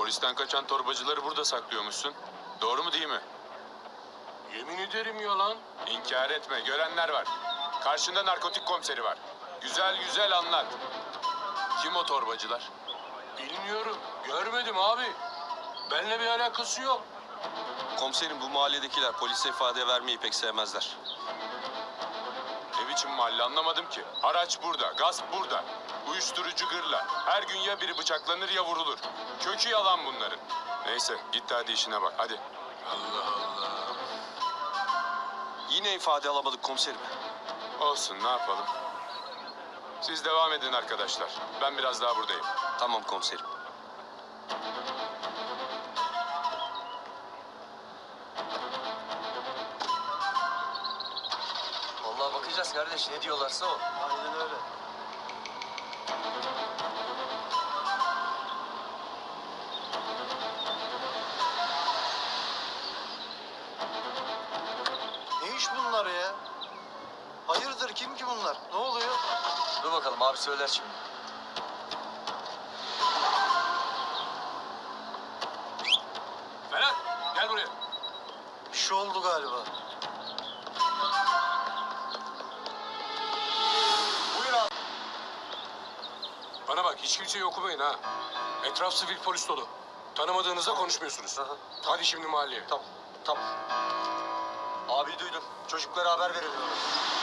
Polisten kaçan torbacıları burada saklıyormuşsun. Doğru mu değil mi? Yemin ederim yalan. İnkar etme, görenler var. Karşında narkotik komiseri var. Güzel güzel anlat. Kim o torbacılar? Bilmiyorum. Görmedim abi. Benimle bir alakası yok. Komiserim, bu mahalledekiler polise ifade vermeyi pek sevmezler. Ne biçim mahalle anlamadım ki. Haraç burada, gasp burada. Uyuşturucu gırla. Her gün ya biri bıçaklanır ya vurulur. Kökü yalan bunların. Neyse git hadi işine bak hadi. Allah Allah. Yine ifade alamadık komiserim. Olsun ne yapalım. Siz devam edin arkadaşlar. Ben biraz daha buradayım. Tamam komiserim. Vallahi bakacağız kardeş, ne diyorlarsa o. Aynen öyle. Ne iş bunlar ya? Hayırdır, kim ki bunlar? Ne oluyor? Dur bakalım, abi söyler şimdi. Ferhat gel buraya. Bir şey oldu galiba. Buyur abi. Bana bak, hiç kimseyi okumayın ha. Etraf sivil polis dolu. Tanımadığınızda konuşmuyorsunuz. Aha. Hadi şimdi mahalleye. Tamam, tamam. Abi duydum. Çocuklara haber verelim.